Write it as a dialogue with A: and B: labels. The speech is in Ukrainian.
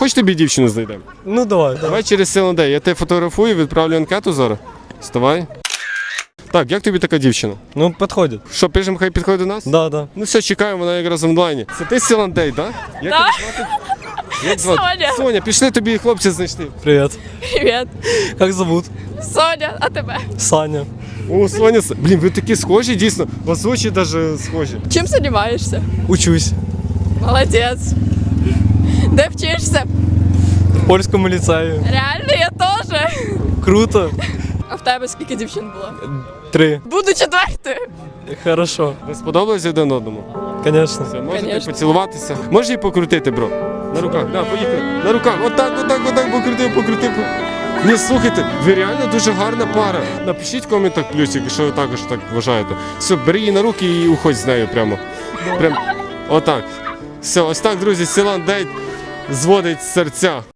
A: Хоч тобі дівчину знайдемо?
B: Ну давай.
A: Давай через Селендей. Я тебе фотографую, відправлю анкету зараз. Вставай. Так, як тобі така дівчина?
B: Ну, підходить.
A: Що, пишемо, хай підходить до нас?
B: Да.
A: Ну все, чекаємо, вона якраз онлайні. Це ти Селендей, так? Як тебе звати? Як звати?
C: Соня.
A: Соня, пішли, тобі хлопці знайшли.
B: Привет.
C: Привіт.
B: Как зовут?
C: Соня, а тебе?
B: Саня.
A: О, Соня, блін, ви такі схожі, дійсно. У вас очі навіть схожі.
C: Чим займаєшся?
B: Учусь.
C: Молодець. Де вчишся?
B: В польському ліцеї.
C: Реально, я теж.
B: Круто.
C: А в тебе скільки дівчин було?
B: 3.
C: Буду четвертою.
B: Хорошо.
A: Ви сподобались один одному?
B: Конечно.
A: Все, можете
C: Конечно.
A: поцілуватися. Можеш її покрутити, бро? На руках, да, поїхали. На руках, отак, покрутив. Ні, слухайте, ви реально дуже гарна пара. Напишіть в коментах плюсик, якщо ви також так вважаєте. Все, бери її на руки і уходь з нею прямо. Прям отак. Все, ось так, друзі, Селендей зводить серця.